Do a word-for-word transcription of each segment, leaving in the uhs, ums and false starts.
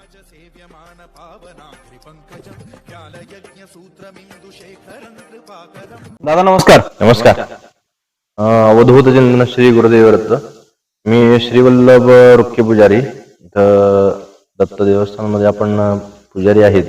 दादा नमस्कार. नमस्कार. अवधूत जन्म श्री गुरुदेव दत्त. मी श्रीवल्लभ रुक्के पुजारी, इथं दत्त देवस्थानामध्ये आपण पुजारी आहेत.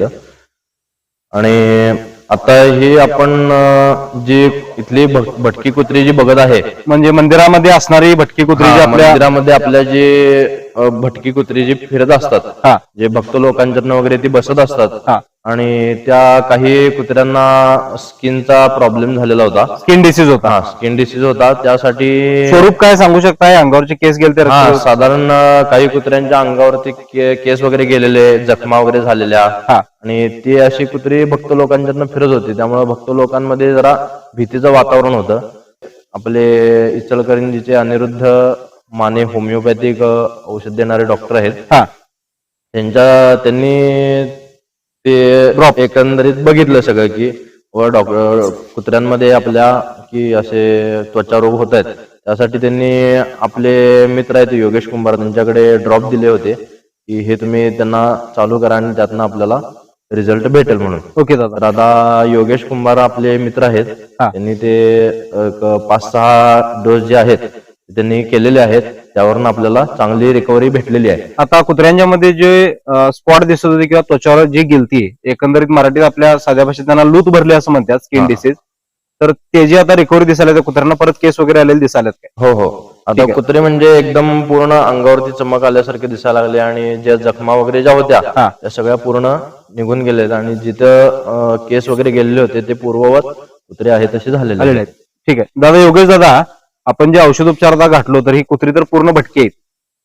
आणि आता ही आपण जी इथली भटकी कुत्री जी बघत आहे, म्हणजे मंदिरामध्ये असणारी भटकी कुत्री जी आपल्या मंदिरामध्ये आपल्या जे भटकी कुत्री जी फिरत असतात, जे भक्त लोकांच्या वगैरे ती बसत असतात, आणि त्या काही कुत्र्यांना स्किनचा प्रॉब्लेम झालेला होता, स्किन डिसीज होता. हा स्किन डिसीज होता. त्यासाठी स्वरूप काय सांगू शकताय? अंगावरचे केस गेले तर साधारण काही कुत्र्यांच्या अंगावरती केस वगैरे गेलेले, जखमा वगैरे झालेल्या, आणि ती अशी कुत्री भक्त लोकांच्या फिरत होती. त्यामुळे भक्त लोकांमध्ये जरा भीतीचं वातावरण होतं. आपले इचलकरंजीचे अनिरुद्ध माने होमिओपॅथिक औषध देणारे डॉक्टर आहेत, त्यांच्या त्यांनी ते एकंदरीत बघितलं सगळं की व डॉक्टर कुत्र्यांमध्ये आपल्या की असे त्वचा रोग होत आहेत. त्यासाठी त्यांनी आपले मित्र आहेत योगेश कुंभार, त्यांच्याकडे ड्रॉप दिले होते की हे तुम्ही त्यांना चालू करा आणि त्यातनं आपल्याला रिझल्ट भेटेल म्हणून. ओके दादा. तर आता योगेश कुंभार आपले मित्र आहेत, त्यांनी ते पाच सहा डोस जे आहेत त्यांनी केलेले आहेत, त्यावरून आपल्याला चांगली रिकव्हरी भेटलेली आहे. आता कुत्र्यांच्या मध्ये जे स्पॉट दिसत होते किंवा त्वचावर जी गेलती, एकंदरीत मराठीत आपल्या साध्या भाषेत त्यांना लूत भरली असं म्हणतात, स्किन डिसीज, तर त्याची आता रिकव्हरी दिसायला, त्या कुत्र्यांना परत केस वगैरे आलेले दिसायला काय? हो हो. आता कुत्रे म्हणजे एकदम पूर्ण अंगावरती चमक आल्यासारखे दिसायला लागले, आणि ज्या जखमा वगैरे ज्या होत्या त्या सगळ्या पूर्ण निघून गेलेत, आणि जिथं केस वगैरे गेलेले होते ते पूर्ववत कुत्रे आहेत तसे झालेले आहेत. ठीक आहे दादा. योगेश दादा, आपण जे औषधोपचार आता घातलो, तर ही कुत्री तर पूर्ण भटकी आहेत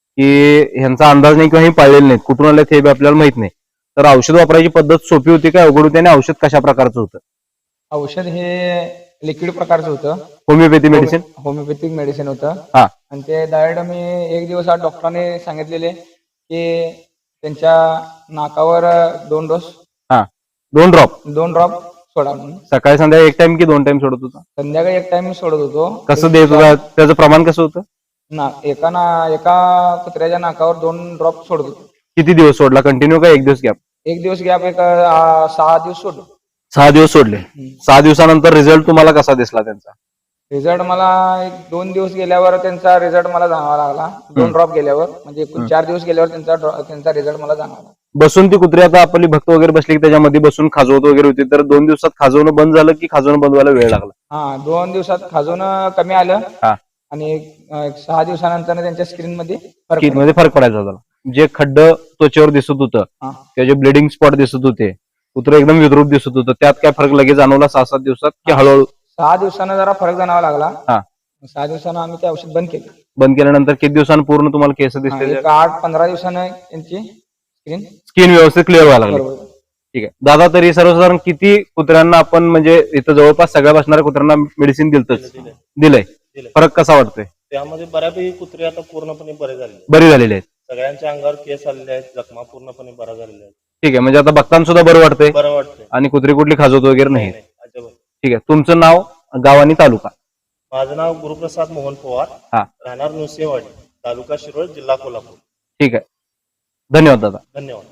की ह्यांचा अंदाज नाही किंवा ही पाळलेली नाहीत, कुठून आले ते आपल्याला माहित नाही. तर औषध वापरायची पद्धत सोपी होती काय अवघड होती, आणि औषध कशा प्रकारचं होतं? औषध हे लिक्विड प्रकारचं होतं, होमिओपॅथी मेडिसिन. होमिओपॅथिक मेडिसिन होतं. हा. आणि ते डायरेक्ट मी एक दिवस आज डॉक्टरांनी सांगितलेले की त्यांच्या नाकावर दोन डोस, हा दोन ड्रॉप दोन ड्रॉप सोडा म्हणून. सकाळी संध्याकाळी एक टाइम की दोन टाइम सोडत होता? संध्याकाळी एक टाइम सोडत होतो. कसं देत होता? त्याचं प्रमाण कसं होतं? ना एका ना एका कुत्र्याच्या नाकावर दोन ड्रॉप सोडत होतो. किती दिवस सोडला? कंटिन्यू का एक दिवस गॅप? एक दिवस गॅप, एक आ, सहा दिवस सोडलो. सहा दिवस सोडले. सहा दिवसानंतर रिझल्ट तुम्हाला कसा दिसला त्यांचा? रिझल्ट मला एक दोन दिवस गेल्यावर त्यांचा रिझल्ट मला जाणवा लागला. दोन ड्रॉप गेल्यावर, म्हणजे एकूण चार दिवस गेल्यावर त्यांचा त्यांचा रिझल्ट मला जाणवला. बसून ती कुत्री आता आपली भक्त वगैरे बसली की त्याच्यामध्ये बसून खाजवत वगैरे होती, तर दोन दिवसात खाजवणं बंद झालं की खाजवणं बंद व्हायला वेळ लागला? हा, दोन दिवसात खाजवणं कमी आलं, आणि एक सहा दिवसानंतर त्यांच्या स्क्रीन मध्ये स्किन मध्ये फरक पडायचा झाला. जे खड्ड त्वचेवर दिसत होतं किंवा जे ब्लिडिंग स्पॉट दिसत होते, कुत्र एकदम विद्रूप दिसत होतं, त्यात काय फरक लगेच जाणवला सहा सात दिवसात की हळूहळू? सहा दिवसानं जरा फरक जाणवा लागला. सहा दिवसानं आम्ही ते औषध बंद केलं. बंद केल्यानंतर किती दिवसांनी पूर्ण तुम्हाला केस दिसते? आठ पंधरा दिवसानं त्यांची स्किन स्किन व्यवस्थित क्लिअर व्हायला लागली. ठीक आहे दादा. तरी सर्वसाधारण किती कुत्र्यांना आपण, म्हणजे इथं जवळपास सगळ्या बसणाऱ्या कुत्र्यांना मेडिसिन दिलतच दिलंय, फरक कसा वाटतोय? त्यामध्ये बऱ्यापैकी कुत्रे आता पूर्णपणे बरे झाले बरी झालेले आहेत. सगळ्यांच्या अंगावर केस आलेले आहेत, जखमा पूर्णपणे बरा झालेल्या आहेत. ठीक आहे. म्हणजे आता भक्तांना सुद्धा बरं वाटतंय, बरं वाटतंय, आणि कुत्री कुठली खाजवत वगैरे नाही. ठीक आहे. तुमचं नाव, गाव आणि तालुका? माझं नाव गुरुप्रसाद मोहन पवार, राहणार नुसेवाडी, तालुका शिरोळ, जिल्हा कोल्हापूर. ठीक आहे. धन्यवाद दादा. धन्यवाद.